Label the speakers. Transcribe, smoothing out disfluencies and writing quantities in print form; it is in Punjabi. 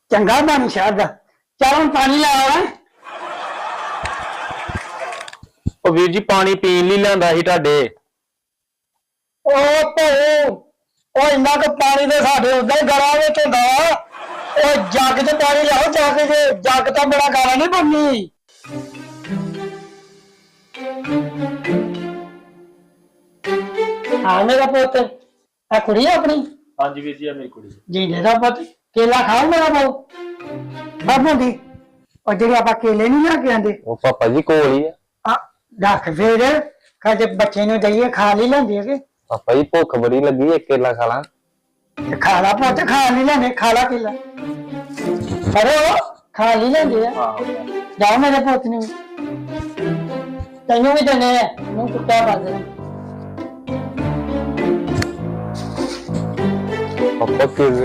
Speaker 1: ਚੰਗਾ ਬਣ ਸ਼ਹਿਰ ਦਾ। ਚੱਲ ਹੁਣ ਪਾਣੀ ਲੈ ਆਉਣਾ।
Speaker 2: ਉਹ ਵੀਰ ਜੀ ਪਾਣੀ ਪੀਣ ਲਈ ਲਿਆਂਦਾ ਸੀ ਤੁਹਾਡੇ।
Speaker 1: ਉਹ ਭਾਊ ਉਹ ਇੰਨਾ ਕੁ ਪਾਣੀ ਦੇ ਸਾਡੇ ਉਦਾਂ ਹੀ ਗਲਾ ਵਿੱਚ ਹੁੰਦਾ। ਉਹ ਜੱਗ 'ਚ ਪਾਣੀ ਲਿਆਓ, ਜੱਗ ਤਾਂ ਬੜਾ ਗਾਲਾ ਨਹੀਂ ਬਣਨੀ। ਹਾਂ ਮੇਰਾ ਪੁੱਤ, ਆ ਕੁੜੀ ਆਪਣੀ?
Speaker 2: ਹਾਂਜੀ ਵੀਰ ਜੀ, ਆ ਮੇਰੀ ਕੁੜੀ।
Speaker 1: ਜੀਂਦੇ ਦਾ ਪੁੱਤ, ਕੇਲਾ ਖਾਓ ਮੇਰਾ ਬਾਊ। ਬਾਬੂ ਦੀ ਉਹ ਜਿਹੜੇ ਆਪਾਂ ਕੇਲੇ ਨਹੀਂ ਲਿਆ ਕੇ ਆਂਦੇ,
Speaker 2: ਉਹ ਪਾਪਾ ਜੀ ਕੋਲ ਹੀ ਆ।
Speaker 1: ਰੱਖ ਫੇਰ ਕਦੇ ਬੱਚੇ ਨੂੰ ਦਈਏ, ਖਾ ਲਈ ਲੈਂਦੇ ਹੈਗੇ।
Speaker 2: ਪਾਪਾ ਜੀ ਭੁੱਖ ਬੜੀ ਲੱਗੀ, ਇੱਕ ਕੇਲਾ ਖਾ ਲਾਂ।
Speaker 1: ਖਾ ਲਾ ਪੁੱਤ, ਖਾ ਲਈ ਲੈਂਦੇ, ਖਾ ਲਾ ਕੇਲਾ। ਅਰੇ ਖਾ ਲਈ ਲੈਂਦੇ ਆ। ਜਾਓ ਮੇਰੇ ਪੁੱਤ ਨੂੰ, ਤੈਨੂੰ ਵੀ ਦੇਣੇ ਆ, ਨੂੰ ਕੁੱਤਾ ਬੰਦ।
Speaker 2: ਪਾਪਾ ਕੇਲੇ